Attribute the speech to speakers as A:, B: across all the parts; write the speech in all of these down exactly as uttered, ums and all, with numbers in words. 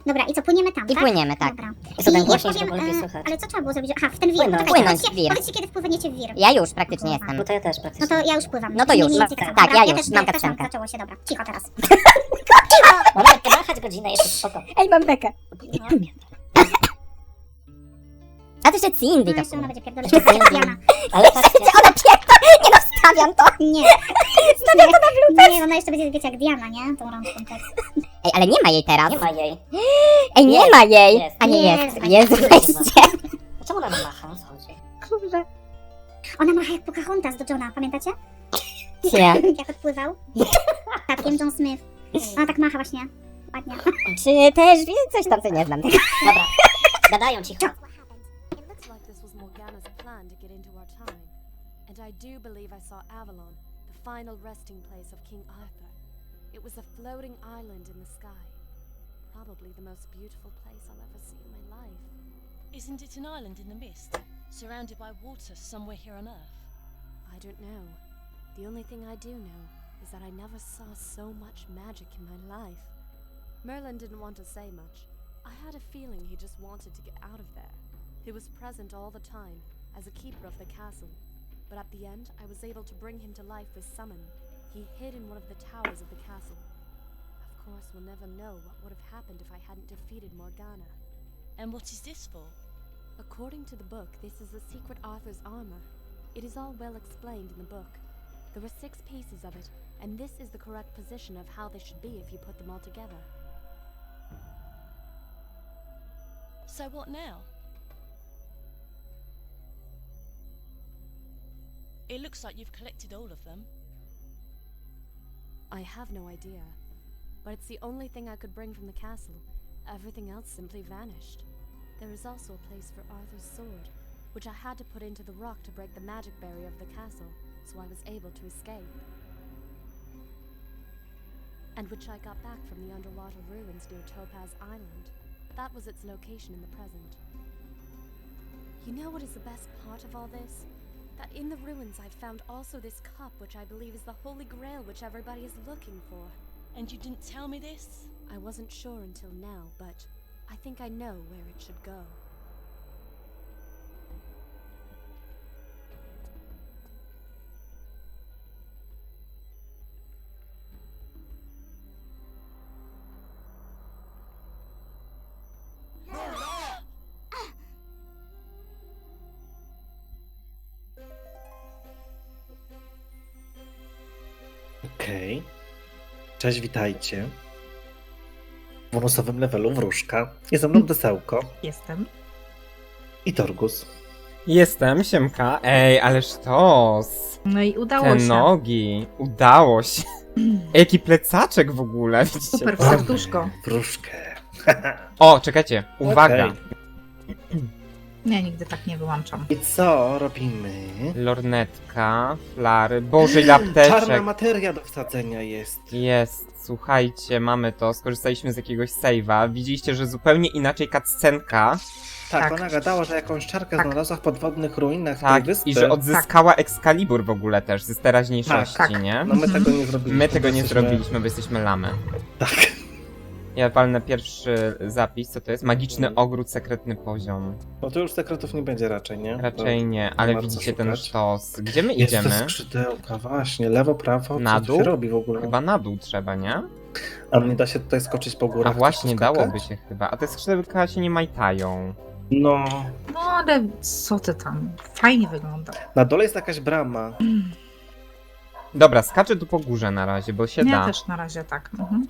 A: Dobra, i co, płyniemy tam,
B: I
A: tak?
B: płyniemy, tak.
A: Dobra.
C: I co, ten
A: I
C: głośniej,
A: ja
C: żeby
A: powiem,
C: lepiej
A: e,
C: słychać.
A: ale co trzeba było zrobić? Aha, w ten wir.
C: Płynąć.
A: Poczekajcie,
B: Płynąć w
A: powiedzcie,
B: wir.
A: powiedzcie, kiedy wpłyniecie w wir.
B: Ja już praktycznie jestem.
C: Bo to ja też praktycznie.
A: No to ja już pływam.
B: No to
A: Mniej
B: już.
A: więcej
C: Tak,
A: samo.
B: tak,
A: Dobra,
B: ja już,
A: też,
B: mam
A: też
B: kapsenkę.
A: zaczęło się, dobra. Cicho teraz.
C: Moment, ty machać godzinę jeszcze spoko.
B: Ej, mam bekę. A to jeszcze Cindy
A: No
B: to
A: jeszcze ona będzie pierdolić.
B: Jeszcze
A: jak Diana.
C: Ale patrzcie,
B: Ona pierdol... Nie no, wstawiam to.
A: Nie.
B: Stawiam to na blue.
A: Nie, ona jeszcze będzie, wiecie, jak Diana, nie? Tą rączką tak.
B: Ej, ale nie ma jej teraz.
C: nie ma jej.
B: Ej, nie
C: Jest,
B: ma jej.
C: jest.
B: A nie
A: Jest.
B: jest. Jezu, weźcie.
C: A czemu ona macha? O co chodzi?
B: Kurze.
A: Ona macha jak Pocahontas do Johna, pamiętacie?
B: Nie.
A: Jak odpływał. Statkiem John Smith. Ona tak macha właśnie. Ładnie.
B: Czy też coś tam, co nie znam.
C: Dobra, gadają cicho.
D: It looks like this was Morgana's plan to get into our time. And I do believe I saw Avalon, the final resting place of King Arthur. It was a floating island in the sky. Probably the most beautiful place I'll ever see in my life.
E: Isn't it an island in the mist, surrounded by water somewhere here on Earth?
D: I don't know. The only thing I do know is that I never saw so much magic in my life. Merlin didn't want to say much. I had a feeling he just wanted to get out of there. He was present all the time, as a keeper of the castle. But at the end, I was able to bring him to life with summon. He hid in one of the towers of the castle. Of course, we'll never know what would have happened if I hadn't defeated Morgana.
E: And what is this for?
D: According to the book, this is the secret Arthur's armor. It is all well explained in the book. There were six pieces of it, and this is the correct position of how they should be if you put them all together.
E: So what now? It looks like you've collected all of them.
D: I have no idea, but it's the only thing I could bring from the castle. Everything else simply vanished. There is also a place for Arthur's sword, which I had to put into the rock to break the magic barrier of the castle, so I was able to escape. And which I got back from the underwater ruins near Topaz Island. That was its location in the present. You know what is the best part of all this? That in the ruins I found also this cup, which I believe is the Holy Grail which everybody is looking for.
E: And you didn't tell me this?
D: I wasn't sure until now, but I think I know where it should go.
F: Okej. Cześć, witajcie. W bonusowym levelu wróżka. Jest ze mną Desełko
G: Jestem.
F: i Torgus.
H: Jestem, siemka. Ej, ale sztos.
G: No i udało
H: Te
G: się.
H: nogi. Udało się. Jaki plecaczek w ogóle, widzicie?
G: Super, w
H: to?
G: serduszko.
F: Wróżkę.
H: O, czekajcie. Uwaga.
F: Okej.
G: Ja nigdy tak nie wyłączam.
F: I co robimy?
H: Lornetka, flary. Boże, ile
F: Czarna
H: apteczek.
F: materia do wsadzenia jest.
H: Jest. Słuchajcie, mamy to. Skorzystaliśmy z jakiegoś save'a. Widzieliście, że zupełnie inaczej cutscenka.
F: Tak,
G: Tak.
F: ona gadała, że jakąś czarkę
G: Tak.
F: znalazła w podwodnych ruinach
H: Tak,
F: tej wyspy.
H: i że odzyskała Excalibur w ogóle też z teraźniejszości,
G: Tak, tak.
H: nie?
F: No my
G: Mhm.
F: tego nie zrobiliśmy.
H: My tego nie
F: Jesteśmy-
H: zrobiliśmy, bo jesteśmy lamy.
F: Tak.
H: Ja walnę pierwszy zapis, co to jest? Magiczny ogród, sekretny poziom.
F: No to już sekretów nie będzie raczej, nie?
H: Raczej
F: To
H: nie, ale
F: ma co
H: widzicie ten
F: szukać.
H: sztos. Gdzie my
F: Jest te
H: idziemy?
F: skrzydełka, właśnie. Lewo, prawo.
H: Na
F: co tu
H: dół?
F: się robi w ogóle?
H: Chyba na dół trzeba, nie?
F: A nie da się tutaj skoczyć po górach?
H: A właśnie,
F: tu skakać?
H: dałoby się chyba. A te skrzydełka się nie majtają.
F: No.
G: No ale co ty tam? Fajnie wygląda.
F: Na dole jest jakaś brama.
H: Dobra, skaczę tu po górze na razie, bo się
G: Ja
H: da.
G: też na razie tak. Mhm.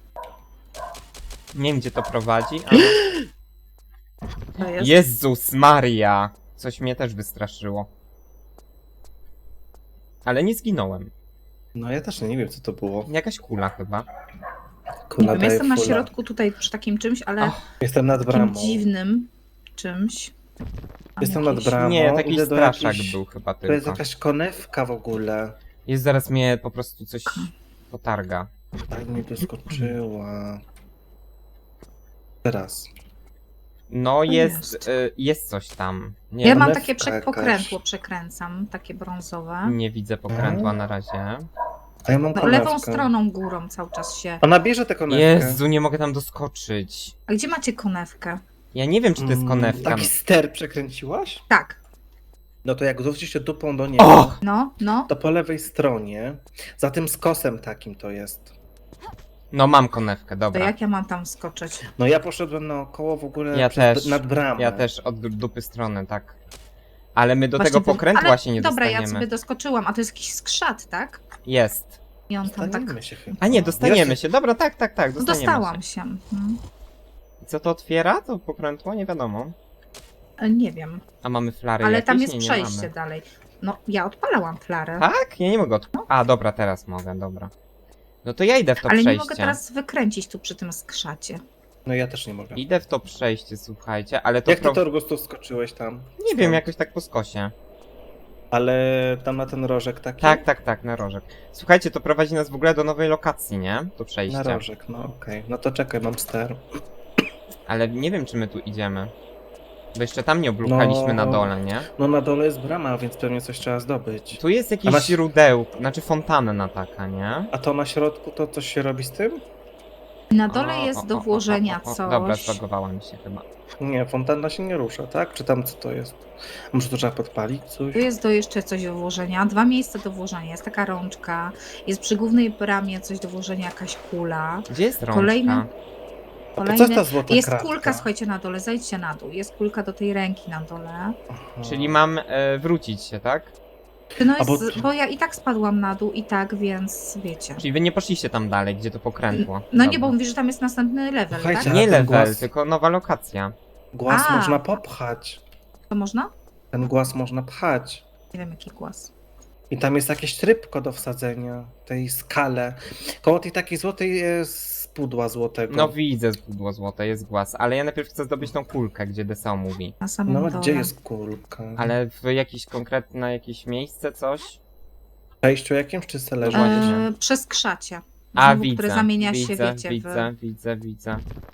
H: Nie wiem, gdzie to prowadzi, ale...
G: To jest.
H: Jezus Maria! Coś mnie też wystraszyło. Ale nie zginąłem.
F: No ja też nie wiem, co to było.
H: Jakaś kula chyba.
G: Nie
F: Kula
G: wiem,
F: daje
G: jestem na
F: fula.
G: środku tutaj przy takim czymś, ale
H: Ach,
F: Jestem nad
G: takim
F: bramą.
G: dziwnym czymś. Tam
F: Jestem nad
G: jakieś-
F: bramą.
H: Nie, taki
F: idę do
H: straszak
F: jakiejś-
H: był chyba
F: To jest
H: tylko.
F: jakaś konewka w ogóle.
H: Jest, zaraz mnie po prostu coś potarga.
F: Tak mi doskoczyła. Teraz.
H: No jest,
G: jest?
H: y, jest coś tam. Nie,
G: Ja mam
F: konewka
G: takie prze-
F: jakaś.
G: pokrętło, przekręcam, takie brązowe.
H: nie widzę pokrętła na razie.
F: A ja mam
G: No,
F: konewkę.
G: lewą stroną górą cały czas się.
F: Ona bierze tę konewkę.
H: Jezu, nie mogę tam doskoczyć.
G: A gdzie macie konewkę?
H: Ja nie wiem, czy to jest
F: Mm,
H: konewka.
F: Taki ster przekręciłaś?
G: Tak.
F: No to jak zwrócisz się dupą do niego,
H: O!
G: No, no.
F: to po lewej stronie, za tym skosem takim to jest.
H: No mam konewkę,
G: To
H: dobra.
G: jak ja mam tam skoczyć?
F: No ja poszedłem naokoło w ogóle
H: Ja
F: przez,
H: też.
F: nad bramę.
H: Ja też od du- dupy strony, tak. Ale my do
G: Właśnie
H: tego
G: wy-
H: pokrętła
G: Ale
H: się nie
G: dobra,
H: dostaniemy.
G: ja sobie doskoczyłam, a to jest jakiś skrzat, tak?
H: Jest.
G: I on tam tak...
F: Dostaniemy się chyba.
H: A nie, dostaniemy
F: Ja
H: się. Dobra, tak, tak, tak,
G: No,
H: dostaniemy
G: dostałam
H: się.
G: się. Mhm.
H: I co to otwiera? To pokrętło? Nie wiadomo.
G: E, Nie wiem,
H: A mamy flary
G: ale
H: jakieś?
G: tam jest
H: nie, nie
G: przejście
H: mamy.
G: dalej. No, ja odpalałam flarę,
H: Tak? Ja nie mogę od... A, dobra, teraz mogę, dobra. No to ja idę w to
G: ale
H: przejście.
G: nie mogę teraz wykręcić tu przy tym skrzacie.
F: No ja też nie mogę.
H: Idę w to przejście, słuchajcie, ale to...
F: Jak ty,
H: pro-
F: Torgus, tu skoczyłeś tam?
H: Nie wiem, jakoś tak po skosie.
F: Ale tam na ten rożek taki?
H: Tak, tak, tak, na rożek. Słuchajcie, to prowadzi nas w ogóle do nowej lokacji, nie? To przejście.
F: Na rożek, no okej. No to czekaj, mam ster.
H: Ale nie wiem, czy my tu idziemy. Bo jeszcze tam nie oblukaliśmy
F: No.
H: na dole, nie?
F: No na dole jest brama, więc pewnie coś trzeba zdobyć.
H: Tu jest jakieś
F: A na-
H: źródełko, znaczy fontanna taka, nie?
F: A to na środku to coś się robi z tym?
G: Na dole
H: O,
G: jest
H: o,
G: do
H: o, o,
G: włożenia
H: o, o,
G: coś.
H: Dobra, zbagowała mi się chyba.
F: Nie, fontanna się nie rusza, tak? Czy tam co to jest? Może to trzeba podpalić coś?
G: Tu jest do jeszcze coś do włożenia, dwa miejsca do włożenia. Jest taka rączka, jest przy głównej bramie coś do włożenia, jakaś kula.
H: Gdzie jest rączka?
G: Kolejny-
F: A to co
G: Kolejny...
F: jest ta złota
G: Jest
F: kratka?
G: kulka, słuchajcie, na dole, zejdźcie na dół. Jest kulka do tej ręki na dole.
F: Aha.
H: Czyli mam e, wrócić się, tak?
G: No
F: A bo-
G: jest, bo ja i tak spadłam na dół i tak, więc wiecie.
H: Czyli wy nie poszliście tam dalej, gdzie to pokrętło.
G: No nie,
H: Dobra.
G: bo mówisz, że tam jest następny level,
F: Słuchajcie,
G: tak?
H: Nie
F: ten
H: level,
F: głaz-
H: tylko nowa lokacja.
F: Głaz
G: A.
F: można popchać.
G: To można?
F: Ten głaz można pchać.
G: Nie wiem, jaki głos.
F: I tam jest jakieś trybko do wsadzenia, tej skale. Koło tej takiej złotej jest pudła złotego.
H: No widzę pudło złote, jest głaz, ale ja najpierw chcę zdobyć tą kulkę, gdzie D S O mówi.
G: Na samym
F: No
G: dole.
F: gdzie jest kulka?
H: Ale w jakieś konkretne jakieś miejsce, coś?
F: W przejściu jakimś czy se leży?
H: właśnie.
G: E, przez krzacie.
H: A,
G: Znowu,
H: widzę,
G: które zamienia
H: widzę,
G: się, wiecie,
H: widzę,
G: w
H: widzę, widzę.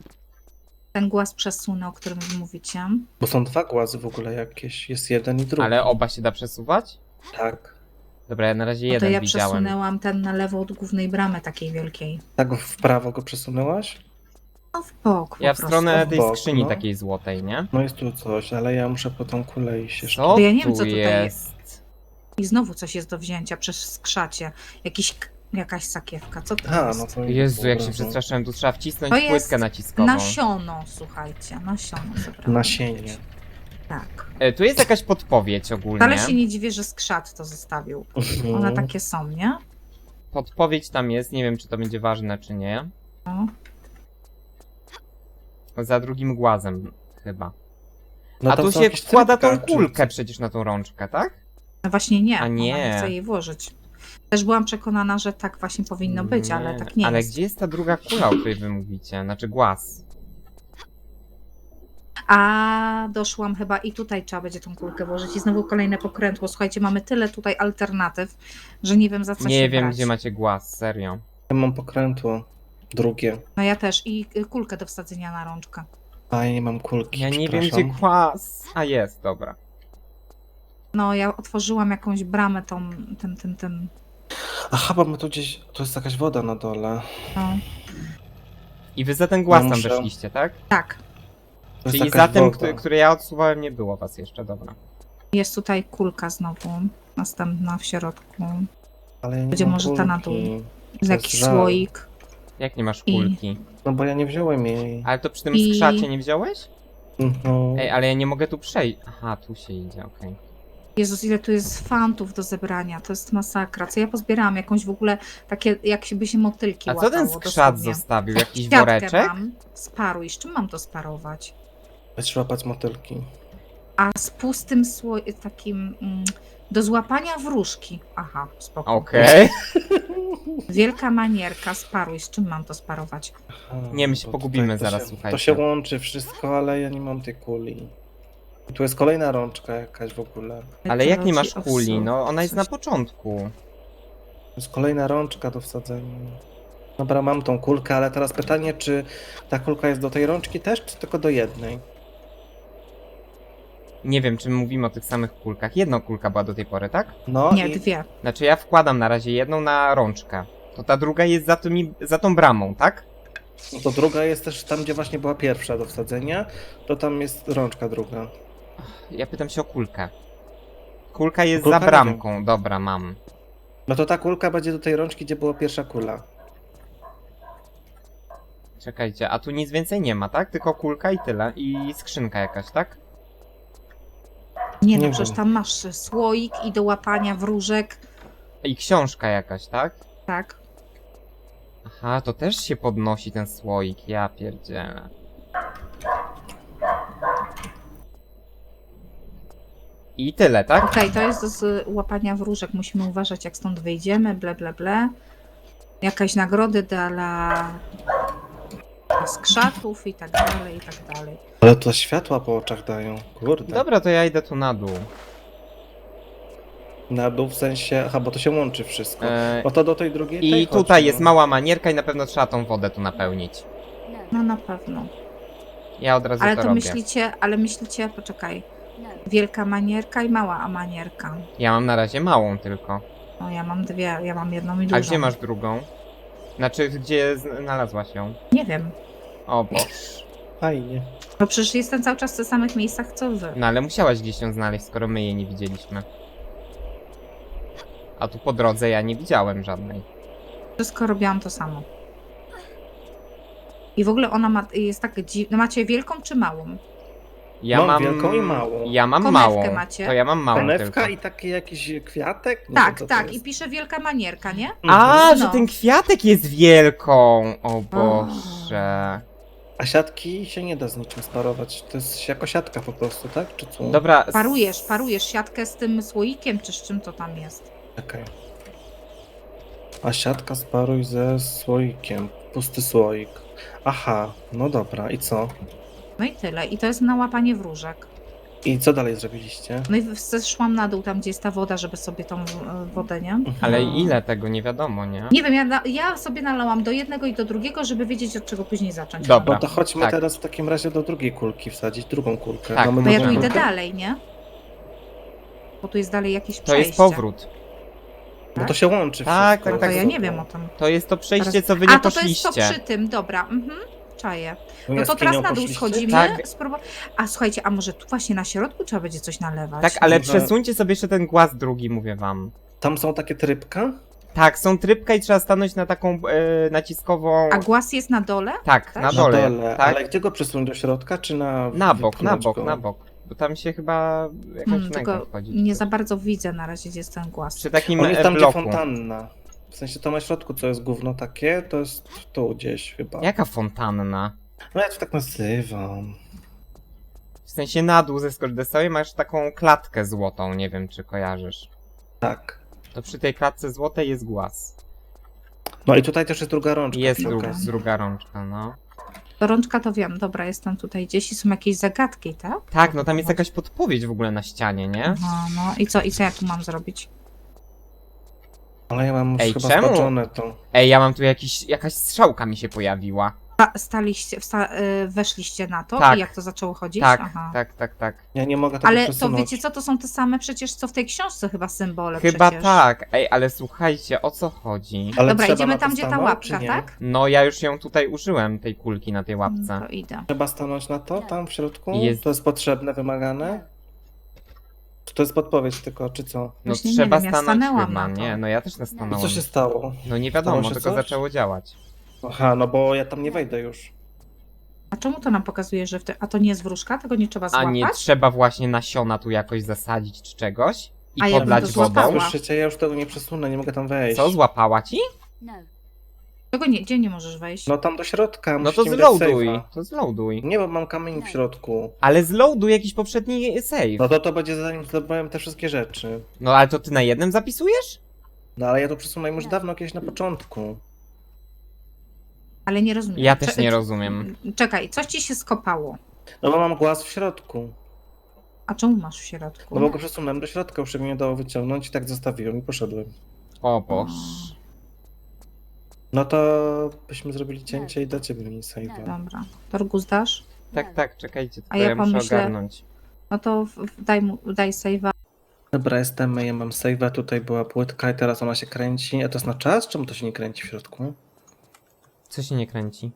G: ten głaz przesunę, o którym wy mówicie.
F: Bo są dwa głazy w ogóle jakieś. Jest jeden i drugi.
H: Ale oba się da przesuwać?
F: Tak.
H: Dobra, ja na razie
G: No to
H: jeden
G: ja
H: widziałem.
G: przesunęłam ten na lewo od głównej bramy takiej wielkiej.
F: Tak w prawo go przesunęłaś?
G: No w bok
H: Ja
G: po
H: w
G: prostu.
H: stronę
F: w
H: tej
F: bok,
H: skrzyni
F: no.
H: takiej złotej, nie?
F: No jest tu coś, ale ja muszę po tą kulę iść jeszcze.
H: Co
G: Ja nie wiem,
H: tu
G: co tutaj
H: jest?
G: I znowu coś jest do wzięcia przez skrzacie. Jakiś, k- jakaś sakiewka. Co to
F: A,
G: jest?
F: no to
H: Jezu, jak się
F: dobra, no.
H: przestraszyłem, tu trzeba wcisnąć
G: To jest
H: płytkę naciskową.
G: Nasiono, słuchajcie. Nasiono zebrałam.
F: Nasienie.
G: Tak.
H: E, tu jest jakaś podpowiedź ogólnie.
G: Ale się nie dziwię, że skrzat to zostawił.
F: Mhm.
G: One takie są, nie?
H: Podpowiedź tam jest, nie wiem czy to będzie ważne czy nie.
G: No.
H: Za drugim głazem chyba.
F: No
H: A
F: to
H: tu
F: są
H: się
F: jakieś
H: wkłada
F: trybka,
H: tą
F: czy
H: kulkę
F: co?
H: przecież na tą rączkę, tak?
G: No właśnie nie.
H: A nie.
G: Ona nie chce jej włożyć. Też byłam przekonana, że tak właśnie powinno być, ale
H: Nie.
G: tak nie
H: Ale
G: jest.
H: gdzie jest ta druga kula, o której wy mówicie? Znaczy głaz.
G: A doszłam chyba i tutaj trzeba będzie tą kulkę włożyć i znowu kolejne pokrętło. Słuchajcie, mamy tyle tutaj alternatyw, że nie wiem za co się
H: Nie wiem
G: brać.
H: gdzie macie głaz, serio.
F: Ja mam pokrętło. Drugie.
G: No ja też i y, kulkę do wsadzenia na rączkę.
F: A ja nie mam kulki.
H: Ja nie wiem
F: przepraszam.
H: gdzie głaz. A jest, dobra.
G: No ja otworzyłam jakąś bramę tą, tym, tym, tym.
F: Aha, bo my tu gdzieś. Tu jest jakaś woda na dole.
G: No.
H: I wy za ten głaz
F: Ja
H: tam
F: muszę-
H: weszliście, tak?
G: Tak,
F: To jest
H: Czyli
F: jakaś
H: za tym,
F: woda.
H: który, który ja odsuwałem, nie było was jeszcze, dobra.
G: jest tutaj kulka znowu, następna w środku.
F: Ale ja nie
G: Będzie
F: mam
G: może ta na
F: kulki.
G: dół.
F: To
G: Jest jakiś
F: żal.
G: słoik.
H: Jak nie masz
G: I-
H: kulki?
F: No bo ja nie wziąłem jej.
H: Ale to przy tym
G: I-
H: skrzacie nie wziąłeś?
F: Mhm.
H: Ej, ale ja nie mogę tu przejść. Aha, tu się idzie, okej.
G: Jezus, ile tu jest fantów do zebrania, to jest masakra. Co ja pozbierałam? Jakąś w ogóle takie, jak się by się motylki
H: A co
G: łapało
H: ten skrzat
G: dosłownie.
H: zostawił? Jakiś
G: Kwiatkę
H: woreczek?
G: mam, sparuj. Z czym mam to sparować?
F: Trzeba łapać motylki.
G: A z pustym sło... takim mm, do złapania wróżki. Aha, spoko.
H: Okej.
G: Wielka manierka, sparuj. Z czym mam to sparować?
F: Aha,
H: Nie, my się
F: bo
H: pogubimy
F: tutaj to
H: zaraz,
F: się,
H: słuchajcie.
F: To się łączy wszystko, ale ja nie mam tej kuli. I tu jest kolejna rączka jakaś w ogóle.
H: Ale jak nie masz
G: Meteoroci
H: kuli?
G: owsu.
H: No ona jest
G: Coś-
H: na początku.
F: To jest kolejna rączka do wsadzenia. Dobra, mam tą kulkę, ale teraz pytanie, czy ta kulka jest do tej rączki też, czy tylko do jednej?
H: Nie wiem, czy my mówimy o tych samych kulkach. Jedna kulka była do tej pory, tak?
F: No
G: Nie,
F: i
G: dwie.
H: Znaczy ja wkładam na razie jedną na rączkę. To ta druga jest za, tymi, za tą bramą, tak?
F: no to druga jest też tam, gdzie właśnie była pierwsza do wsadzenia, to tam jest rączka druga.
H: Ja pytam się o kulkę. Kulka jest
F: Kulka
H: za
F: nie
H: bramką. Dobra, mam.
F: No to ta kulka będzie do tej rączki, gdzie była pierwsza kula.
H: Czekajcie, a tu nic więcej nie ma, tak? Tylko kulka i tyle. I skrzynka jakaś, tak?
G: Nie,
F: Nie
G: no przecież
F: wiem.
G: tam masz słoik i do łapania wróżek.
H: I książka jakaś, tak?
G: Tak.
H: Aha, to też się podnosi ten słoik, ja pierdzielę. I tyle, tak?
G: Okej, to jest do z łapania wróżek. Musimy uważać, jak stąd wyjdziemy, ble, ble, ble. Jakaś nagrody dla z krzaków i tak dalej, i tak dalej.
F: Ale to światła po oczach dają, kurde.
H: Dobra, to ja idę tu na dół.
F: Na dół w sensie, aha, bo to się łączy wszystko.
H: E,
F: No to do tej drugiej tej
H: I
F: chodźmy.
H: tutaj jest mała manierka i na pewno trzeba tą wodę tu napełnić.
D: No.
G: No na pewno.
H: Ja od razu
G: Ale
H: to,
G: to
H: robię.
G: myślicie, ale myślicie, poczekaj.
D: No.
G: Wielka manierka i mała manierka.
H: Ja mam na razie małą tylko.
G: No ja mam dwie, ja mam jedną i dużą.
H: A gdzie masz drugą? Znaczy, gdzie znalazłaś ją?
G: Nie wiem.
H: O Boże.
F: Fajnie.
G: Bo przecież jestem cały czas w tych samych miejscach, co wy.
H: No ale musiałaś gdzieś ją znaleźć, skoro my jej nie widzieliśmy. A tu po drodze ja nie widziałem żadnej.
G: Wszystko robiłam to samo. I w ogóle ona ma, jest tak dziwna. Macie wielką czy małą?
H: Ja
F: Mam
H: mam
F: wielką i małą.
H: Ja mam
G: Konewkę
H: małą.
G: macie?
H: To ja mam małą
F: Konewka
H: tylko.
F: i taki jakiś kwiatek? Nie
G: tak,
F: wiem, co to
G: tak.
F: jest.
G: I pisze wielka manierka, nie?
H: A,
F: Mhm.
H: że
G: No.
H: ten kwiatek jest wielką! O Boże.
F: A siatki się nie da z niczym sparować. To jest jako siatka po prostu, tak? Czy co?
H: Dobra. s-
G: Parujesz, parujesz siatkę z tym słoikiem, czy z czym to tam jest.
F: Okej. A siatka sparuj ze słoikiem. Pusty słoik. Aha, no dobra. I co?
G: No i tyle. I to jest na łapanie wróżek.
F: I co dalej zrobiliście?
G: No i zeszłam na dół, tam gdzie jest ta woda, żeby sobie tą e, wodę, nie?
H: Ale ile tego nie wiadomo, nie?
G: Nie wiem, ja, na- ja sobie nalałam do jednego i do drugiego, żeby wiedzieć, od czego później zacząć.
H: Dobra.
F: No to chodźmy
H: Tak.
F: teraz w takim razie do drugiej kulki wsadzić, drugą kulkę.
H: Tak,
F: Mamy
G: To ja
F: nową
G: tu idę
F: kulkę?
G: dalej, nie? Bo tu jest dalej jakieś
H: To
G: przejście.
H: jest powrót.
F: No to się łączy
H: Tak,
F: wszystko.
G: No
H: tak,
G: to
H: tak.
G: ja nie wiem o tym.
H: To jest to przejście,
G: Teraz-
H: co wy nie
G: A, to to jest
H: poszliście.
G: to przy tym, dobra. Mhm. Czaję.
F: No
G: No to teraz
F: jaskinią
G: na dół
F: poszliście?
G: schodzimy.
H: Tak.
G: Spróbu- A słuchajcie, a może tu właśnie na środku trzeba będzie coś nalewać?
H: Tak, ale
F: Może-
H: przesuńcie sobie jeszcze ten głaz drugi, mówię wam.
F: Tam są takie trybka?
H: Tak, są trybka i trzeba stanąć na taką e, naciskową...
G: A głaz jest na dole?
H: Tak,
G: tak?
H: na dole,
F: Na dole.
H: tak?
F: Ale gdzie go przesunąć? Do środka, czy na...
H: Na bok, na
F: wypchnąć
H: bok,
F: go?
H: na bok. Bo tam się chyba jakaś
G: Hmm,
H: wnęka
G: tylko
H: wchodzi.
G: nie za bardzo widzę na razie, gdzie jest ten głaz.
H: Przy takim
F: On jest
H: e,
F: tam, gdzie
H: bloku.
F: fontanna. W sensie to na środku, co jest gówno takie, to jest tu gdzieś chyba.
H: Jaka fontanna?
F: No ja to tak nazywam.
H: W sensie na dół ze skordesowej masz taką klatkę złotą, nie wiem czy kojarzysz.
F: Tak.
H: To przy tej klatce złotej jest głaz.
F: No i tutaj też jest druga rączka.
H: Jest
F: przy
H: dru
F: okazji.
H: druga rączka, no.
G: To rączka to wiem, dobra, jestem tutaj gdzieś i są jakieś zagadki, tak?
H: Tak, no tam jest jakaś podpowiedź w ogóle na ścianie, nie?
G: Aha, no i co, i co ja tu mam zrobić?
F: Ale ja mam już
H: Ej,
F: chyba
H: czemu?
F: spaczone to.
H: Ej, ja mam tu jakiś, jakaś strzałka mi się pojawiła.
G: A, staliście, wsta, y, weszliście na to
H: Tak.
G: i jak to zaczęło chodzić?
H: Tak,
G: Aha.
H: tak, tak, tak.
F: Ja nie mogę tego
G: Ale to
F: przesunąć.
G: wiecie co, to są te same przecież, co w tej książce chyba symbole
H: Chyba
G: przecież.
H: tak. Ej, ale słuchajcie, o co chodzi?
F: Ale
G: Dobra,
F: trzeba
G: idziemy
F: na to
G: tam, gdzie ta
F: stanąć,
G: łapka,
F: czy nie?
G: tak?
H: No ja już ją tutaj użyłem, tej kulki na tej łapce.
G: To idę.
F: Trzeba stanąć na to, tam w środku?
H: Jest.
F: To jest potrzebne, wymagane? Czy to jest podpowiedź tylko, czy co?
H: No
G: Właśnie nie
H: trzeba
G: wiem, ja
H: stanąć
G: stanęłam
H: chyba,
G: na to.
H: nie? No ja też
F: I
H: nastanąłem.
F: co się stało?
H: No nie wiadomo,
F: Stało się
H: tylko
F: coś?
H: zaczęło działać.
F: Aha, no bo ja tam nie wejdę już.
G: A czemu to nam pokazuje, że w te... A to nie jest wróżka? Tego nie trzeba
H: A
G: złapać?
H: nie trzeba właśnie nasiona tu jakoś zasadzić czy czegoś? I
G: A ja bym
H: podlać
G: to
H: wodą?
G: złapała.
F: Słyszycie, ja już tego nie przesunę, nie mogę tam wejść.
H: Co, złapała ci?
D: No.
G: Tego nie, gdzie nie możesz wejść?
F: No tam do środka,
H: No to
F: musicie mi dać
H: zloaduj,
F: save'a.
H: to zloaduj.
F: Nie, bo mam kamień w środku.
H: Ale zloaduj jakiś poprzedni save.
F: No to to będzie zanim zdobyłem te wszystkie rzeczy.
H: No ale to ty na jednym zapisujesz?
F: No ale ja to przesunąłem już dawno, kiedyś na początku.
G: Ale nie rozumiem.
H: Ja też
G: Cze-
H: nie rozumiem.
G: Czekaj, coś ci się skopało.
F: No bo mam głaz w środku.
G: A czemu masz w środku?
F: No bo go przesunąłem do środka, już się mnie nie dało wyciągnąć i tak zostawiłem i poszedłem.
H: O boż.
F: No to byśmy zrobili cięcie i dacie mi save'a.
G: Dobra. Torgus dasz?
H: Tak, tak, czekajcie, tylko
G: A ja
H: ja muszę
G: pomyślę-
H: ogarnąć.
G: No to w- w- daj mu, daj save'a.
F: Dobra, jestem, ja mam save'a, tutaj była płytka i teraz ona się kręci. A to jest na czas? Czemu to się nie kręci w środku?
H: Co się nie kręci?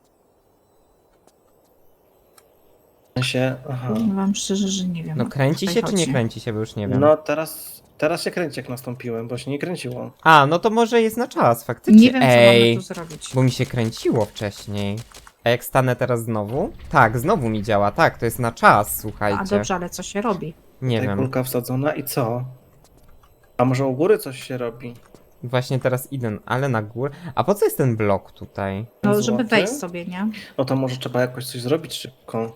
F: W sensie, aha.
G: Powiem wam szczerze, że nie wiem.
H: No
G: o co
H: kręci
G: tutaj
H: się czy nie
G: chodzi.
H: kręci się, bo już nie wiem.
F: No teraz, teraz się kręci jak nastąpiłem, bo się nie kręciło.
H: A, no to może jest na czas, faktycznie.
G: Nie wiem, co
H: Ej,
G: mamy tu zrobić.
H: bo mi się kręciło wcześniej. A jak stanę teraz znowu? Tak, znowu mi działa, tak, to jest na czas, słuchajcie.
G: A dobrze, ale co się robi?
H: Nie
F: Tutaj
H: wiem.
F: kulka wsadzona i co? A może u góry coś się robi?
H: Właśnie teraz idę, ale na górę. A po co jest ten blok tutaj?
G: No,
F: Złoty?
G: żeby wejść sobie, nie?
F: No to może trzeba jakoś coś zrobić szybko.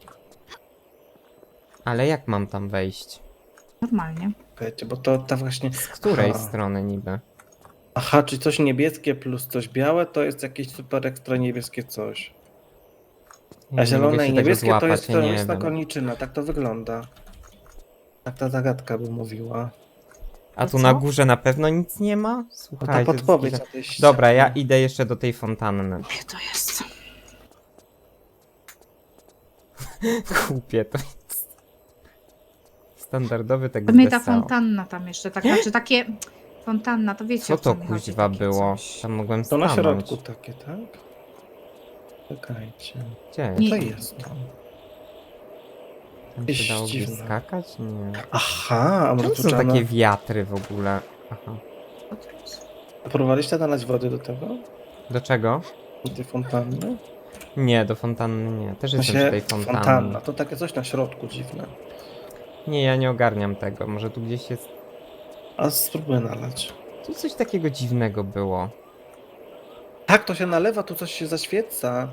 H: Ale jak mam tam wejść?
G: Normalnie.
F: Wiecie, bo to ta właśnie...
H: Z której
F: Aha.
H: strony niby?
F: Aha, czy coś niebieskie plus coś białe to jest jakieś super ekstra niebieskie coś.
H: Nie,
F: A
H: nie
F: zielone
H: mogę
F: i
H: się tego
F: niebieskie to
H: złapać,
F: jest,
H: ja
F: to
H: nie
F: jest ta
H: wiem.
F: koniczyna, tak to wygląda. Tak ta zagadka by mówiła.
H: A tu
G: co?
H: na górze na pewno nic nie ma?
F: No ta
H: Słuchajcie. to jest
F: podpowiedź
H: jakiś-
F: na tej ścianie.
H: Dobra, ja idę jeszcze do tej fontanny.
G: Gdzie to jest?
H: Kupię to jest. Standardowy tak
G: To mnie ta
H: wesoło.
G: fontanna tam jeszcze, tak, znaczy takie... Fontanna, to wiecie
H: Co
G: o co
H: to
G: mi chodzi,
H: kuźwa
G: takie
H: było?
G: coś.
H: Tam mogłem
F: To na
H: stanąć.
F: środku takie, tak? Czekajcie.
H: Gdzie?
G: Nie.
F: Co jest to?
H: Tam
F: Jakieś
H: się dało gdzieś
F: dziwne.
H: skakać? Nie.
F: Aha, a może
H: Czemu
F: tu
H: są
F: trzeba...
H: takie wiatry w ogóle? Aha.
G: Co to jest?
F: Próbowaliście nalać wody do tego?
H: Do czego?
F: Do tej fontanny?
H: Nie, do fontanny nie. Też jestem przy
F: Właśnie
H: tej fontannie.
F: fontanna, to takie coś na środku dziwne.
H: Nie, ja nie ogarniam tego. Może tu gdzieś jest...
F: A spróbuję nalać.
H: Tu coś takiego dziwnego było.
F: Tak, to się nalewa, tu coś się zaświeca.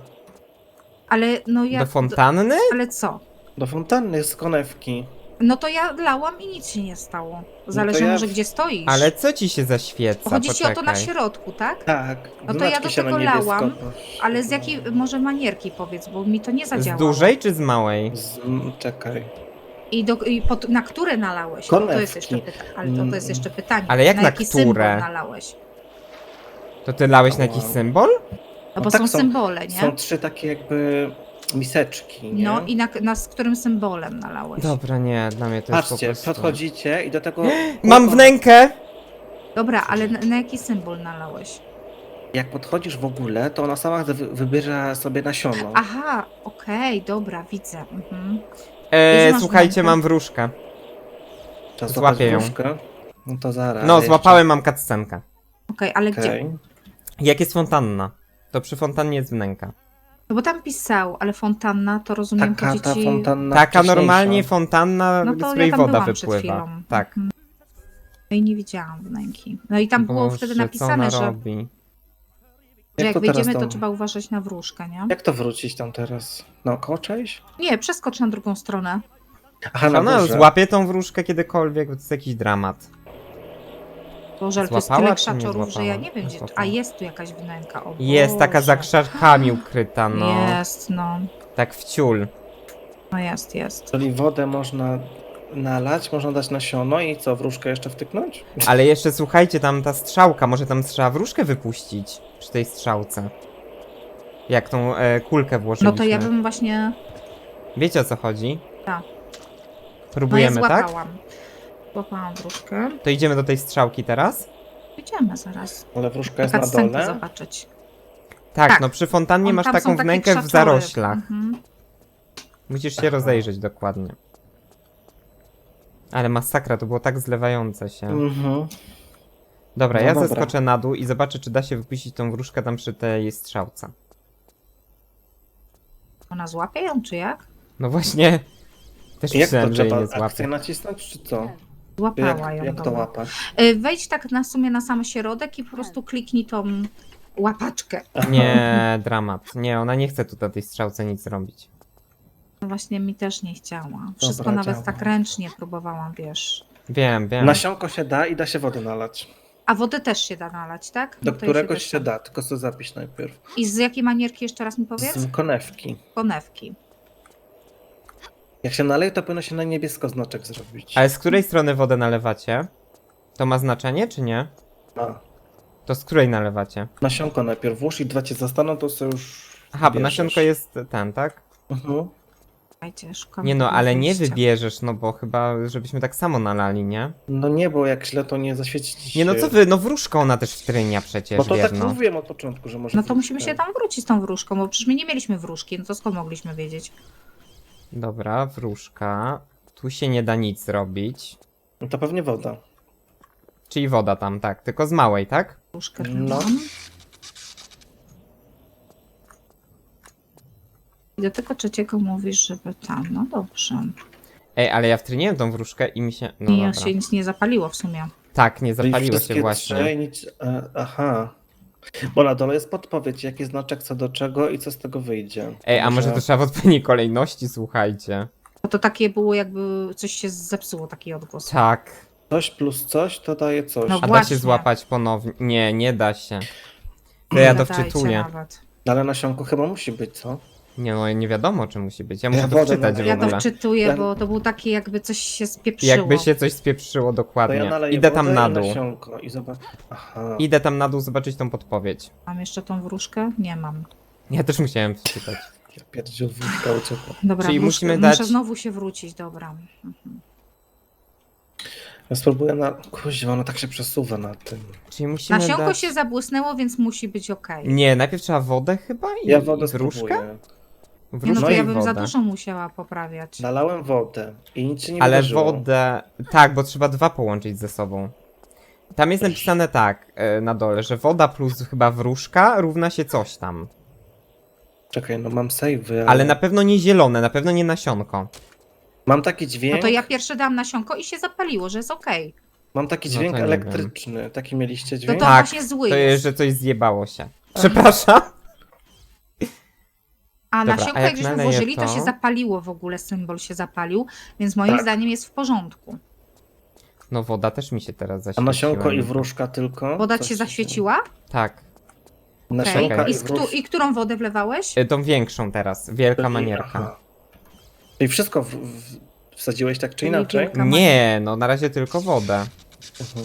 G: Ale no ja...
H: Do fontanny?
G: Ale co?
F: Do fontanny z konewki.
G: No to ja lałam i nic się nie stało. Zależy
F: to ja-
G: może gdzie stoisz.
H: Ale co ci się zaświeca?
G: Chodzi ci o to na
H: Poczekaj.
G: środku, tak?
F: Tak.
G: No to ja
F: znaczki
G: do
F: się na
G: tego
F: niebiesko
G: lałam,
F: poś-
G: Ale z jakiej może manierki powiedz, bo mi to nie
H: Z
G: zadziałało.
H: dużej czy z małej?
F: Z, m, czekaj.
G: I, do, i pod, na które nalałeś? To, to jest
F: Konewki.
G: jeszcze pytanie. Ale to, to jest jeszcze pytanie.
H: Ale jak
G: na
H: na
G: jaki
H: które?
G: symbol nalałeś?
H: To ty lałeś na jakiś
F: Wow.
H: symbol?
G: No bo
F: tak,
G: są
F: są-
G: symbole, nie?
F: Są trzy takie jakby miseczki, nie?
G: No i na, na z którym symbolem nalałeś?
H: Dobra, nie, dla mnie to
F: Patrzcie,
H: jest po prostu...
F: podchodzicie i do tego...
H: Mam wnękę!
G: Dobra, ale na, na jaki symbol nalałeś?
F: Jak podchodzisz w ogóle, to ona sama wy- wybiera sobie nasiono.
G: Aha, okej, dobra, widzę. Mhm.
H: E,
G: Gdzie masz
H: słuchajcie,
G: wnękę?
H: mam wróżkę.
F: Trzeba
H: złapię
F: złapać
H: ją.
F: wróżkę. No to zaraz.
H: No,
F: jeszcze.
H: złapałem, mam cutscenkę.
G: Okej, ale gdzie?
F: Okej.
H: Jak jest fontanna? To przy fontannie jest wnęka.
G: No bo tam pisał, ale fontanna to rozumiem,
F: Taka
G: chodzi
F: ta
G: ci...
F: fontanna
H: Taka
F: wcześniejsza.
H: normalnie fontanna,
G: No
H: z
G: to
H: której
G: ja tam
H: woda
G: byłam przed
H: wypływa.
G: chwilą.
H: Tak.
G: Mhm. No i nie widziałam wnęki. No i tam było
H: Boże,
G: wtedy
H: co
G: napisane,
H: ona
G: że,
H: robi?
G: że jak
F: to teraz
G: wyjdziemy, to
F: tam-
G: trzeba uważać na wróżkę, nie?
F: Jak to wrócić tam teraz? Naokoło część?
G: Nie, przeskocz na drugą stronę.
F: Aha,
H: Czy
F: na
H: ona
F: górze.
H: złapie tą wróżkę kiedykolwiek? Bo to jest jakiś dramat.
G: Boże, ale to jest
H: Złapała,
G: tyle
H: czy nie
G: krzaczorów, że ja
H: złapała?
G: nie wiem
H: Nie
G: gdzie...
H: złapała.
G: A jest tu jakaś wnęka, o
H: Jest taka za
G: Boże.
H: krzakami ukryta, no.
G: Jest, no.
H: Tak w ciul.
G: No jest, jest.
F: Czyli wodę można nalać, można dać nasiono i co, wróżkę jeszcze wtyknąć?
H: Ale jeszcze słuchajcie, tam ta strzałka, może tam trzeba wróżkę wypuścić przy tej strzałce. Jak tą e, kulkę
G: No
H: włożyliśmy.
G: to ja bym właśnie...
H: Wiecie o co chodzi?
G: Tak.
H: Próbujemy,
G: no ja
H: tak?
G: złapałam. Złapałam wróżkę.
H: To idziemy do tej strzałki teraz?
G: Idziemy zaraz.
F: Ale wróżka jest na
G: Cutscenkę
F: dole.
G: zobaczyć.
H: Tak,
G: Tak.
H: no przy fontannie
G: On-
H: masz
G: tam
H: taką
G: są takie
H: wnękę w
G: krzaczory.
H: zaroślach.
G: Mhm.
H: Musisz się rozejrzeć dokładnie. Ale masakra, to było tak zlewające się.
F: Mhm.
H: Dobra,
F: No
H: ja
F: dobra.
H: zeskoczę na dół i zobaczę, czy da się wypuścić tą wróżkę tam przy tej strzałce.
G: Ona złapie ją, czy jak?
H: No właśnie, też
F: Jak to
H: myślałem, że jej
F: trzeba
H: nie złapie.
F: akcję nacisnąć, czy co?
G: Złapała
F: Jak,
G: ją.
F: jak to
G: dobra.
F: łapać?
G: Y, Wejdź tak na sumie na sam środek i po prostu kliknij tą łapaczkę.
H: Nie, dramat. Nie, ona nie chce tu na tej strzałce nic robić.
G: No właśnie mi też nie chciała. Wszystko
F: Dobra,
G: nawet
F: działa.
G: tak ręcznie próbowałam, wiesz.
H: Wiem, wiem.
F: Nasionko się da i da się wody nalać.
G: A wodę też się da nalać, tak?
F: Do
G: No to ja
F: któregoś
G: też
F: się
G: tam-
F: da, tylko co zapisz najpierw.
G: I z jakiej manierki jeszcze raz mi powiedz?
F: Z konewki.
G: Konewki.
F: Jak się naleje, to powinno się na niebiesko znaczek zrobić.
H: Ale z której strony wodę nalewacie? To ma znaczenie, czy nie?
F: A,
H: To z której nalewacie?
F: nasionko najpierw włóż i dwa cię zastaną, to sobie już
H: Aha, bo
F: bierzesz.
H: nasionko jest ten, tak?
F: Mhm.
G: Słuchajcie, szukam
H: Nie no,
G: tego
H: ale nie
G: wyjścia.
H: wybierzesz, no bo chyba, żebyśmy tak samo nalali, nie?
F: No nie, bo jak źle to nie zaświecić.
H: Nie no, co wy, no wróżka ona też wtrynia przecież,
F: Bo to tak
H: wierno.
F: mówiłem od początku, że może
G: No to
F: wróżkę.
G: musimy się tam wrócić z tą wróżką, bo przecież my nie mieliśmy wróżki, no to skąd mogliśmy wiedzieć?
H: Dobra, wróżka. Tu się nie da nic zrobić.
F: No to pewnie woda.
H: Czyli woda tam, tak, tylko z małej, tak?
G: Wróżkę
F: No.
G: tam. I do tego trzeciego mówisz, żeby tam, no dobrze.
H: Ej, ale ja wtryniłem tą wróżkę i mi się... No
G: I
H: dobra.
G: się nic nie zapaliło w sumie.
H: Tak, nie
F: Czyli
H: zapaliło
F: wszystkie
H: się właśnie.
F: Trzy, nic, e, aha. Bo na dole jest podpowiedź, jaki znaczek co do czego i co z tego wyjdzie.
H: Ej, a może to trzeba w odpowiedniej kolejności, słuchajcie.
G: Bo to takie było, jakby coś się zepsuło, taki odgłos.
H: Tak.
F: Coś plus coś to daje coś.
G: No
H: A da
G: właśnie.
H: się złapać ponownie? Nie, nie da się. To ja to
G: Gadajcie
H: wczytuję.
G: nawet.
F: Ale nasionko chyba musi być, co?
H: Nie no, nie wiadomo czy musi być. Ja
F: Ja
H: muszę to
F: wodę
H: wczytać w
F: naleję.
G: Ja to
H: ogóle.
G: wczytuję,
F: Ja-
G: bo to był taki, jakby coś się spieprzyło.
H: Jakby się coś spieprzyło
F: To
H: dokładnie.
F: ja naleję
H: Idę
F: wodę
H: tam na
F: i
H: dół.
F: nasionko i zobacz. Aha.
H: Idę tam na dół zobaczyć tą podpowiedź.
G: Mam jeszcze tą wróżkę? Nie mam.
H: Ja też musiałem wczytać.
F: Ja pierdziel wódka uciekła.
G: Dobra,
H: Czyli
G: wróżkę,
H: musimy
G: muszę
H: dać-
G: znowu się wrócić, dobra. Mhm.
F: Ja spróbuję na... Kuźwa, ona tak się przesuwa na tym.
H: Czyli musimy
G: Nasionko
H: dać...
G: się zabłysnęło, więc musi być okej.
H: Nie, najpierw trzeba wodę chyba i,
F: Ja wodę
H: i wróżkę?
F: spróbuję.
G: Nie, no
H: Wróżkę
G: to
H: i
G: ja bym za
H: wodę.
G: dużo musiała poprawiać.
F: Nalałem wodę i nic się nie
H: Ale
F: wydarzyło.
H: wodę... Tak, bo trzeba dwa połączyć ze sobą. Tam jest napisane tak, e, na dole, że woda plus chyba wróżka równa się coś tam.
F: Czekaj, no mam save'y, ale...
H: Ale na pewno nie zielone, na pewno nie nasionko.
F: Mam taki dźwięk...
G: No to ja pierwsze dałam nasionko i się zapaliło, że jest okej.
F: Mam taki
H: No
F: dźwięk
H: to nie
F: elektryczny. Taki mieliście
G: To
F: dźwięk?
G: to
H: Tak,
G: właśnie zły
H: To
G: jest.
H: jest, że coś zjebało się. Przepraszam.
G: A
H: Dobra,
G: nasionko
H: a jak
G: jak żeśmy
H: naleję
G: włożyli, to...
H: to?
G: się zapaliło w ogóle, symbol się zapalił, więc moim
F: Tak.
G: zdaniem jest w porządku.
H: No woda też mi się teraz
F: A
H: zaświeciła.
F: nasionko i wróżka tylko?
G: Woda
F: Coś
G: ci się zaświeciła?
H: Tak.
G: Okej.
F: Nasionka
G: I,
F: i
G: z któ-
F: wróżka.
G: I którą wodę wlewałeś?
H: E, Tą większą teraz, wielka manierka.
F: Aha. Czyli wszystko w, w, wsadziłeś tak czy
G: Czyli
F: inaczej?
G: wielka-
H: Nie, no na razie tylko wodę.
F: Mhm.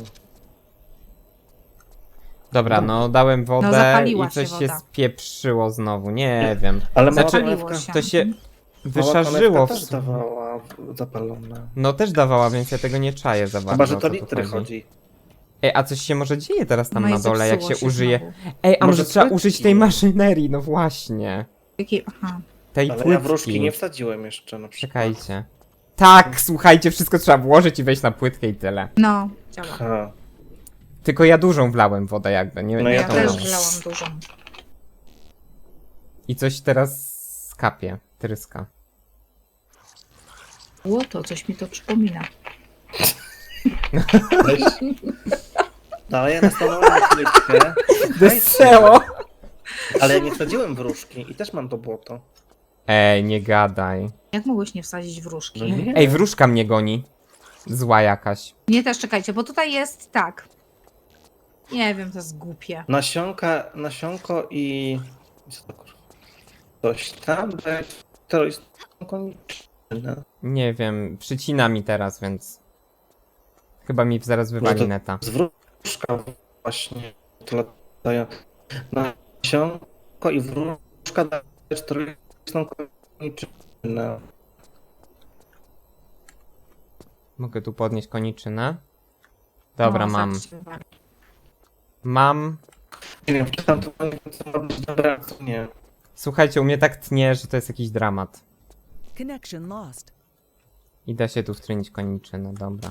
H: Dobra, no dałem wodę
G: zapaliła
H: i coś
G: się
H: się
G: woda.
H: spieprzyło znowu, nie wiem.
F: Ale mała
H: Znaczy,
G: Zapaliło
F: konewka,
G: się.
H: To się
G: Mhm.
F: mała
H: wyszarzyło
F: konewka
H: w
F: też dawała w- zapalone.
H: No też dawała, więc ja tego nie czaję za bardzo.
F: Chyba, że
H: o
F: to
H: co tu
F: litry chodzi.
H: Ej, a coś się może dzieje teraz tam
G: No i
H: na dole, jak
G: zepsuło
H: się użyje.
G: znowu.
H: Ej, a może,
F: Może
H: trzeba
F: płytki?
H: użyć tej maszynerii, no właśnie.
G: Jaki- Aha.
H: Tej
F: Ale
H: płytki.
F: ja wróżki nie wsadziłem jeszcze na przykład.
H: Czekajcie. Tak, słuchajcie, wszystko trzeba włożyć i wejść na płytkę i tyle.
G: No, działa.
F: Aha.
H: Tylko ja dużą wlałem wodę jakby, nie,
F: No
H: nie
F: ja
G: Ja
H: tą
G: też
H: małą.
G: wlałam dużą.
H: I coś teraz skapie, tryska.
G: Łoto, coś mi to przypomina.
F: Weź. No ale ja nastanowałem płytkę.
H: Wesoło!
F: Ale ja nie wsadziłem wróżki i też mam to błoto.
H: Ej, nie gadaj.
G: Jak mogłeś nie wsadzić wróżki?
F: No nie.
H: Ej, wróżka mnie goni. Zła jakaś.
G: Nie, też czekajcie, bo tutaj jest tak. Nie wiem, to jest głupie.
F: Nasionka, nasionko i... Co to kurwa? Coś tam, że to jest konieczne.
H: Nie wiem, przycina mi teraz, więc... Chyba mi zaraz wywali
F: to-
H: neta.
F: Z wróżka właśnie to latają. Nasionko i wróżka daje czterdzieści koniczynę.
H: Mogę tu podnieść koniczynę? Dobra,
G: No,
H: mam.
G: zaraz się wywali.
H: Mam.
F: Nie wiem, czy tam to nie wiem, co ma być dobre, a co nie.
H: Słuchajcie, u mnie tak tnie, że to jest jakiś dramat.
I: Connection lost.
H: I da się tu wtrynić koniczynę, dobra.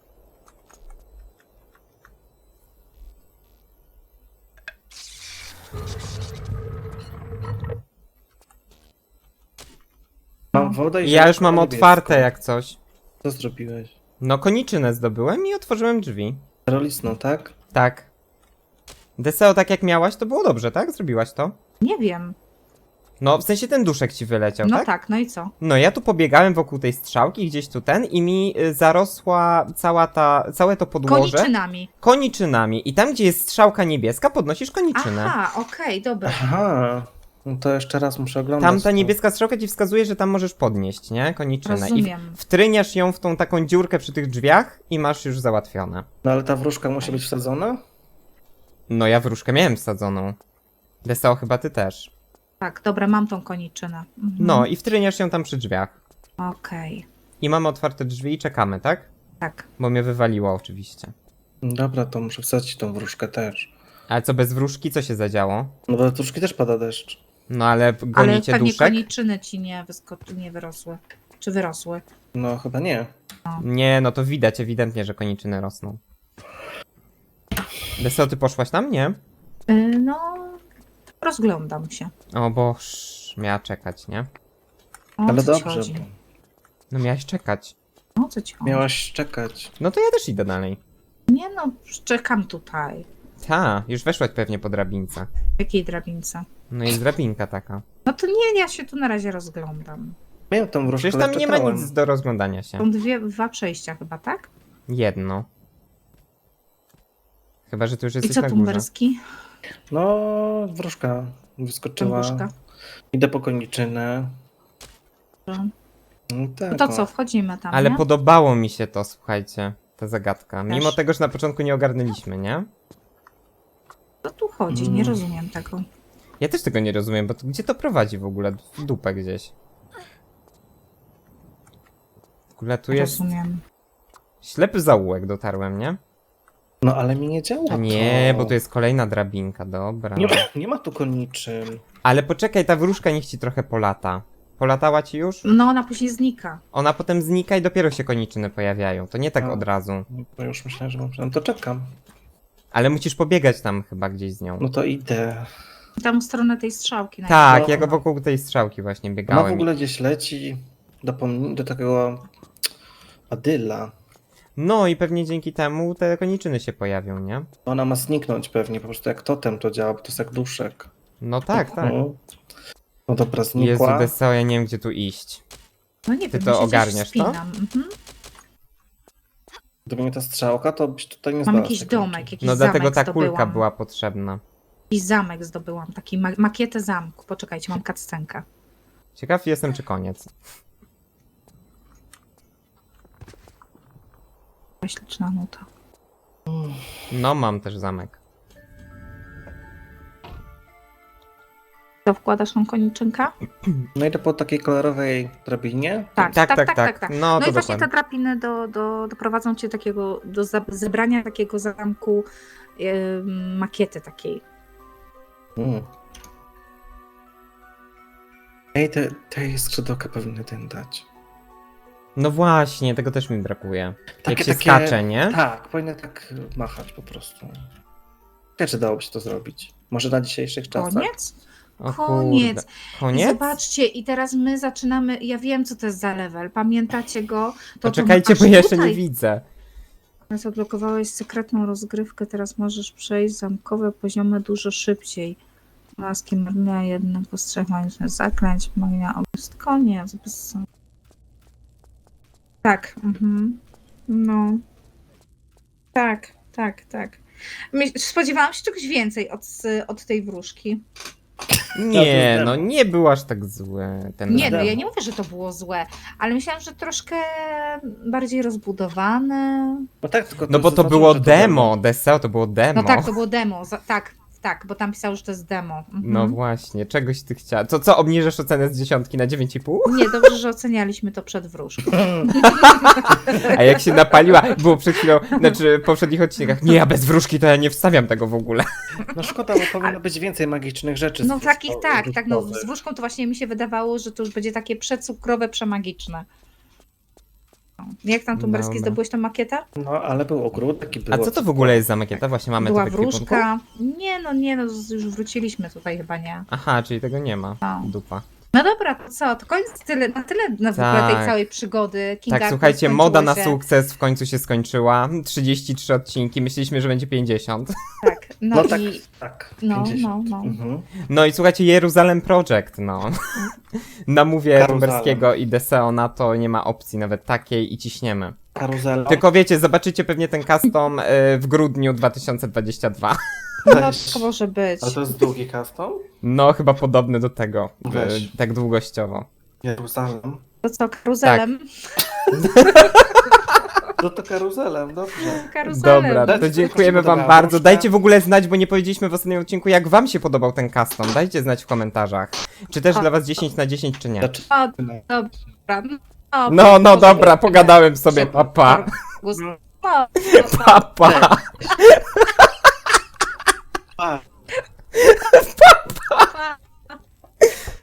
F: Mam wodę i...
H: Ja już mam
F: niebieską.
H: otwarte jak coś.
F: Co zrobiłeś?
H: No koniczynę zdobyłem i otworzyłem drzwi.
F: Rolisno, tak?
H: Tak. Deseo, tak jak miałaś, to było dobrze, tak? Zrobiłaś to?
G: Nie wiem.
H: No, w sensie ten duszek ci wyleciał,
G: No
H: tak?
G: tak, no i co?
H: No ja tu pobiegałem wokół tej strzałki, gdzieś tu ten i mi y, zarosła cała ta, całe to podłoże
G: Koniczynami.
H: koniczynami. I tam, gdzie jest strzałka niebieska, podnosisz koniczynę.
G: Aha, okej, dobra.
F: Aha. No to jeszcze raz muszę oglądać.
H: Tam ta
F: to.
H: niebieska strzałka ci wskazuje, że tam możesz podnieść, nie? Koniczynę. I
G: Rozumiem.
H: w- wtryniasz ją w tą taką dziurkę przy tych drzwiach i masz już załatwione.
F: No ale ta wróżka musi być wsadzona?
H: No ja wróżkę miałem wsadzoną. Deseo, chyba ty też.
G: Tak, dobra, mam tą koniczynę. Mhm.
H: No i wtryniasz ją tam przy drzwiach.
G: Okej,
H: I mamy otwarte drzwi i czekamy, tak?
G: tak.
H: Bo mnie wywaliło oczywiście.
F: Dobra, to muszę wsadzić tą wróżkę też.
H: Ale co, bez wróżki co się zadziało?
F: No bo wróżki też pada deszcz.
H: No ale
G: Ale
H: gonicie
G: pewnie
H: duszek?
G: koniczyny ci nie, wysko- nie wyrosły. Czy wyrosły?
F: No chyba nie.
H: Nie, no to widać ewidentnie, że koniczyny rosną. Deseo, ty poszłaś tam? Nie?
G: Yy, no, rozglądam się.
H: O boż, miała czekać, nie?
G: O
F: Ale
G: co ci
F: dobrze,
G: chodzi?
F: bo
H: No miałaś czekać.
G: O co ci chodzi?
F: miałaś czekać.
H: No to ja też idę dalej.
G: Nie no, czekam tutaj.
H: Ta, już weszłaś pewnie po drabince.
G: W jakiej drabince?
H: No jest drabinka taka.
G: No to nie, ja się tu na razie rozglądam.
F: Miałem tą wróżkę,
H: Przecież tam
F: ale
H: nie ma
F: czytałem.
H: nic do rozglądania się.
G: Są dwie, dwa przejścia chyba, tak?
H: Jedno. Chyba, że ty już
G: I
H: jesteś
G: co
H: na górze.
G: tumberski?
F: No, wróżka wyskoczyła.
G: Wróżka.
F: Idę po koniczynę.
G: Dobrze.
F: No tak,
G: No to
F: o.
G: co, wchodzimy tam,
H: Ale
G: nie?
H: podobało mi się to, słuchajcie, ta zagadka. Mimo
G: Też.
H: tego, że na początku nie ogarnęliśmy, nie?
G: Co tu chodzi?
F: Mm.
G: Nie rozumiem tego.
H: Ja też tego nie rozumiem, bo to, gdzie to prowadzi w ogóle? W dupę gdzieś. W ogóle tu jest
G: Rozumiem.
H: ślepy zaułek, dotarłem, nie?
F: No ale mi nie działa
H: A nie,
F: to.
H: bo tu jest kolejna drabinka, dobra.
F: Nie ma, nie ma tu koniczyn.
H: Ale poczekaj, ta wróżka niech ci trochę polata. Polatała ci już?
G: No ona później znika.
H: Ona potem znika i dopiero się koniczyny pojawiają. To nie tak
F: A.
H: od razu.
F: No, bo już myślałem, że mam... No to czekam.
H: Ale musisz pobiegać tam chyba gdzieś z nią.
F: No to idę.
G: Tam w stronę tej strzałki.
H: Tak,
F: No.
H: ja go wokół tej strzałki właśnie
F: Ona w
H: biegałem.
F: ogóle gdzieś leci do, pom- do takiego Adyla.
H: No i pewnie dzięki temu te koniczyny się pojawią, nie?
F: Ona ma zniknąć pewnie, po prostu jak totem to działa, bo to jest jak duszek.
H: No tak, tak.
F: No, no dobra,
H: Jezu,
F: znikła.
H: Deseo, ja nie wiem gdzie tu iść.
G: No nie
H: Ty
G: wiem,
H: to
G: ja się
H: ogarniasz,
G: gdzieś
H: to?
G: wspinam. Mhm.
F: Gdyby nie ta strzałka, to byś tutaj nie
G: Mam
F: znalazł
G: jakiś
F: tej
G: domek,
F: koniczyny.
G: jakiś
H: No
G: zamek
H: dlatego ta kulka
G: zdobyłam.
H: była potrzebna.
G: Jakiś zamek zdobyłam, taki ma makietę zamku. Poczekajcie, mam cutscenkę.
H: Ciekaw jestem, czy koniec.
G: Śliczna nuta.
H: No, mam też zamek.
G: To wkładasz tą koniczynkę?
F: No idę po takiej kolorowej drabinie.
G: Tak,
H: Tak, tak, tak. No,
G: No
H: to
G: i właśnie te
H: dokładnie.
G: drabiny do, do, doprowadzą cię takiego, do za- zebrania takiego zamku yy, makiety takiej.
F: Mm. Ej, te, tej skrzydełka powinny ten dać.
H: No właśnie, tego też mi brakuje. Jak
F: Takie-
H: się
F: takie-
H: skacze, nie?
F: Tak, powinny tak machać po prostu. Ja czy dałoby się to zrobić? Może na dzisiejszych czasach?
G: Koniec?
H: O
G: Koniec.
H: kurde.
G: I
H: Koniec?
G: zobaczcie, i teraz my zaczynamy, ja wiem co to jest za level, pamiętacie go? To
H: Poczekajcie,
G: to
H: bo
G: aż
H: ja jeszcze nie
G: tutaj.
H: widzę.
G: Teraz odblokowałeś sekretną rozgrywkę, teraz możesz przejść zamkowe poziomy dużo szybciej. Laski magia, jeden postrzech magicznych zaklęć, magia obust, koniec. Bez... Tak, mhm. No. Tak, tak, tak. My- Spodziewałam się czegoś więcej od, od tej wróżki.
H: Nie,
F: demo.
H: no nie był aż tak zły ten
G: Nie, no
H: demo.
G: ja nie mówię, że to było złe, ale myślałam, że troszkę bardziej rozbudowane.
F: No tak, tylko
H: No bo to
F: zaznaczyłem,
H: było
F: że
H: demo, Deseo to było demo.
G: No tak, to było demo, za, tak, tak, bo tam pisało, że to jest demo. Mhm.
H: No właśnie, czegoś ty chciała. To co, obniżasz ocenę z dziesiątki na dziewięć i pół?
G: Nie, dobrze, że ocenialiśmy to przed wróżką.
H: A jak się napaliła, było przed chwilą, znaczy w poprzednich odcinkach, nie, ja bez wróżki to ja nie wstawiam tego w ogóle.
F: No szkoda, bo powinno być więcej magicznych rzeczy.
G: No
F: z-
G: takich
F: z-
G: tak, tak, no z
F: wróżkowych.
G: wróżką to właśnie mi się wydawało, że to już będzie takie przecukrowe, przemagiczne. No. Jak tam Tumberski
H: Dobra.
G: zdobyłeś tą makietę?
F: No, ale był ogródek i
H: A
F: było...
H: co to w ogóle jest za makieta? Właśnie mamy
G: Była
H: to w ekwipunku?
G: wróżka. Nie no, nie no, z- już wróciliśmy tutaj chyba, nie.
H: Aha, czyli tego nie ma.
G: No.
H: Dupa.
G: No dobra, to co, to koniec tyle, na tyle na w ogóle
H: Tak.
G: tej całej przygody. King
H: Tak,
G: Arthur
H: słuchajcie,
G: skończyło
H: moda na
G: się.
H: sukces w końcu się skończyła. trzydzieści trzy odcinki, myśleliśmy, że będzie pięćdziesiąt.
G: Tak, no,
F: No tak,
G: i
F: tak.
G: no,
F: pięćdziesiąt.
G: no, no.
F: Mhm.
H: No i słuchajcie, Jeruzalem Project, no. Namówię
F: Karuzalem.
H: Tumberskiego i Deseo na to, nie ma opcji nawet takiej i ciśniemy.
F: Karuzela.
H: Tylko wiecie, zobaczycie pewnie ten custom y, w grudniu dwa tysiące dwudziestego drugiego.
G: No to może być.
F: Ale to jest długi custom?
H: No, chyba podobny do tego,
F: Weź.
H: y, tak długościowo.
F: Jeruzalem.
G: To co, karuzelem?
F: No to karuzelem, dobrze.
G: Karuzelem.
H: Dobra,
F: Dajcie
H: to
F: znać,
H: dziękujemy
F: jak się
H: wam
F: podobała
H: bardzo.
F: wróżka.
H: Dajcie w ogóle znać, bo nie powiedzieliśmy w ostatnim odcinku, jak wam się podobał ten custom. Dajcie znać w komentarzach. Czy też
G: O.
H: dla was dziesięć na dziesięć, czy nie.
F: Znaczy,
G: O, dobra. O,
H: No, no dobra, pogadałem sobie, papa.
G: pa.
H: Papa.
F: Pa.
G: Pa.